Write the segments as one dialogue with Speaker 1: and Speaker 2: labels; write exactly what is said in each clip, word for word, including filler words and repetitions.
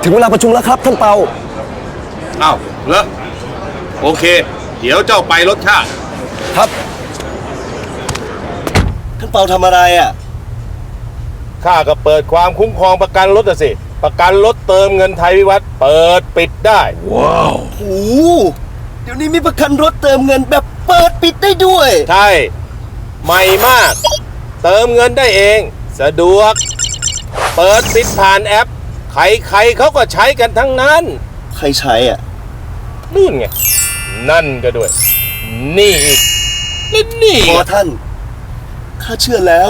Speaker 1: ถึงเวลาประชุมแล้วครับท่านเปา
Speaker 2: อ้าวเหรอโอเคเดี๋ยวเจ้าไปรถข้า
Speaker 1: ครับท่านเปาทำอะไรอ่ะ
Speaker 2: ข้าก็เปิดความคุ้มครองประกันรถสิประกันรถเติมเงินไทยวิวัฒน์เปิดปิดได้
Speaker 1: ว้าวโอ้เดี๋ยวนี้มีประกันรถเติมเงินแบบเปิดปิดได้ด้วย
Speaker 2: ใช่ใหม่มากเติมเงินได้เองสะดวกเปิดปิดผ่านแอปใครๆเขาก็ใช้กันทั้งนั้น
Speaker 1: ใครใช้อ่ะ
Speaker 2: นู่นไงนั่นก็ด้วยนี่อีกนี่นี่
Speaker 1: พอท่านข้าเชื่อแล้ว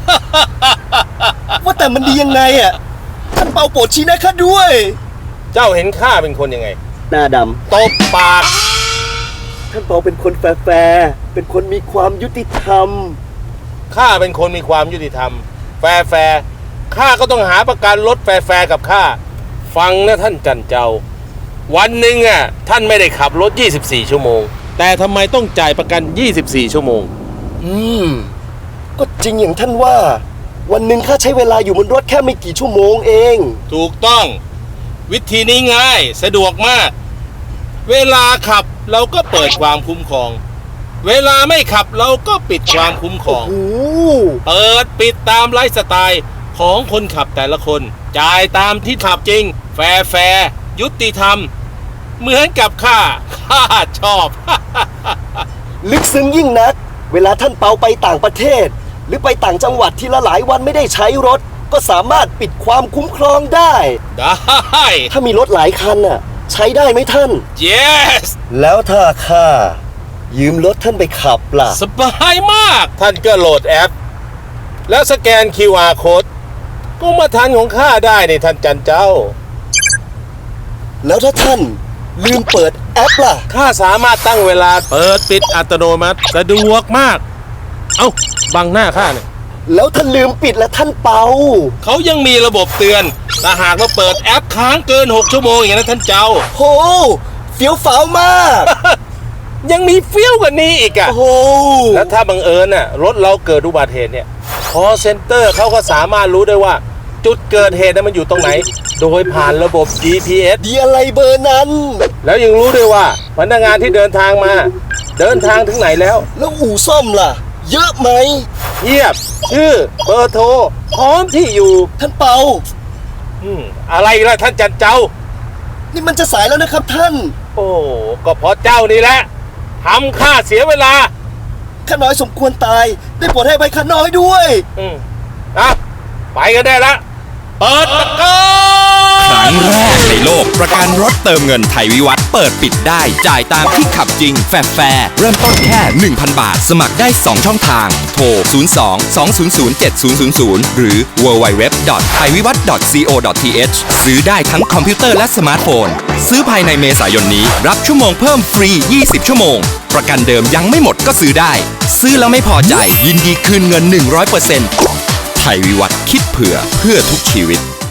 Speaker 1: ว่าแต่มันดียังไงอ่ะท่านเปาโปรดชี้แนะข้าด้วย
Speaker 2: เจ้าเห็นข้าเป็นคนยังไง
Speaker 1: หน้าดำ
Speaker 2: ตบปาก
Speaker 1: ท่านเปาเป็นคนแฟร์เป็นคนมีความยุติธรรม
Speaker 2: ข้าเป็นคนมีความยุติธรรมแฟร์แฟร์ข้าก็ต้องหาประกันรถแฟร์แฟร์กับข้าฟังนะท่านจันเจ้าวันหนึ่งอ่ะท่านไม่ได้ขับรถยี่สิบสี่ชั่วโมงแต่ทำไมต้องจ่ายประกันยี่สิบสี่ชั่วโมง
Speaker 1: อืมก็จริงอย่างท่านว่าวันหนึ่งข้าใช้เวลาอยู่บนรถแค่ไม่กี่ชั่วโมงเอง
Speaker 2: ถูกต้องวิธีนี้ง่ายสะดวกมากเวลาขับเราก็เปิดความคุ้มครองเวลาไม่ขับเราก็ปิดความคุ้มครองเปิดปิดตามไลฟ์สไตล์ของคนขับแต่ละคนจ่ายตามที่ขับจริงแฟร์แฟร์ยุติธรรมเหมือนกับข้าข้าชอบ
Speaker 1: ลึกซึ้งยิ่งนักเวลาท่านเปาไปต่างประเทศหรือไปต่างจังหวัดที่ละหลายวันไม่ได้ใช้รถก็สามารถปิดความคุ้มครองได้
Speaker 2: ได้
Speaker 1: ถ้ามีรถหลายคันน่ะใช้ได้ไหมท่าน
Speaker 2: yes
Speaker 1: แล้วถ้าข้ายืมรถท่านไปขับล่ะ
Speaker 2: สบายมากท่านก็โหลดแอปแล้วสแกน คิว อาร์ Code ก็มาทันของข้าได้ในท่านจันเจ้า
Speaker 1: แล้วถ้าท่านลืมเปิดแอปล่ะ
Speaker 2: ข้าสามารถตั้งเวลาเปิดปิดอัตโนมัติสะดวกมากเอ้าบังหน้าข้าเนี่ย
Speaker 1: แล้วท่านลืมปิดแล้วท่านเปา
Speaker 2: เขายังมีระบบเตือนถ้าหากว่าเปิดแอปค้างเกินหกชั่วโมงอย่างนั้นท่านเจ้า
Speaker 1: โหเฟี้ยวฟ้าวมาก
Speaker 2: ยังมีเฟี้ยวกว่านี้อีกอ่ะ
Speaker 1: โอ้
Speaker 2: แล้วถ้าบังเอิญน่ะรถเราเกิดอุบัติเหตุเนี่ยคอลเซ็นเตอร์เขาก็สามารถรู้ได้ว่าจุดเกิดเหตุนั้นมันอยู่ตรงไหนโดยผ่านระบบ จี พี เอส
Speaker 1: ดีอะไรเบอร์นั้น
Speaker 2: แล้วยังรู้ด้วยว่าพนักงานที่เดินทางมาเดินทางถึงไหนแล้ว
Speaker 1: แล้วอู่ซ่อมล่ะเยอะไหม
Speaker 2: เยียบชื่อเบอร์โทรพร้อมที่อยู่
Speaker 1: ท่านเปา
Speaker 2: อืมอะไรล่ะท่านจันเจ้า
Speaker 1: นี่มันจะสายแล้วนะครับท่าน
Speaker 2: โอ้ก็เพราะเจ้านี่แหละทำข้าเสียเวลา
Speaker 1: ข้าน้อยสมควรตายได้โปรดให้ไปข้าน้อยด้วย
Speaker 2: อืมอ่ะไปกันได้ละเปิดประกัน
Speaker 3: ครั้งแรกในโลกประกันรถเติมเงินไทยวิวัฒน์เปิดปิดได้จ่ายตามที่ขับจริงแฟร์แฟร์เริ่มต้นแค่ หนึ่งพัน บาทสมัครได้สองช่องทางโทรศูนย์ สอง สอง ศูนย์ ศูนย์ เจ็ด ศูนย์ ศูนย์ ศูนย์ หรือ ดับเบิลยู ดับเบิลยู ดับเบิลยู ดอท ไทยวิวัฒน์ ดอท ซี โอ ดอท ที เอช ซื้อได้ทั้งคอมพิวเตอร์และสมาร์ทโฟนซื้อภายในเมษายนนี้รับชั่วโมงเพิ่มฟรียี่สิบชั่วโมงประกันเดิมยังไม่หมดก็ซื้อได้ซื้อแล้วไม่พอใจยินดีคืนเงิน หนึ่งร้อยเปอร์เซ็นต์ ไทยวิวัฒน์คิดเผื่อเพื่อทุกชีวิต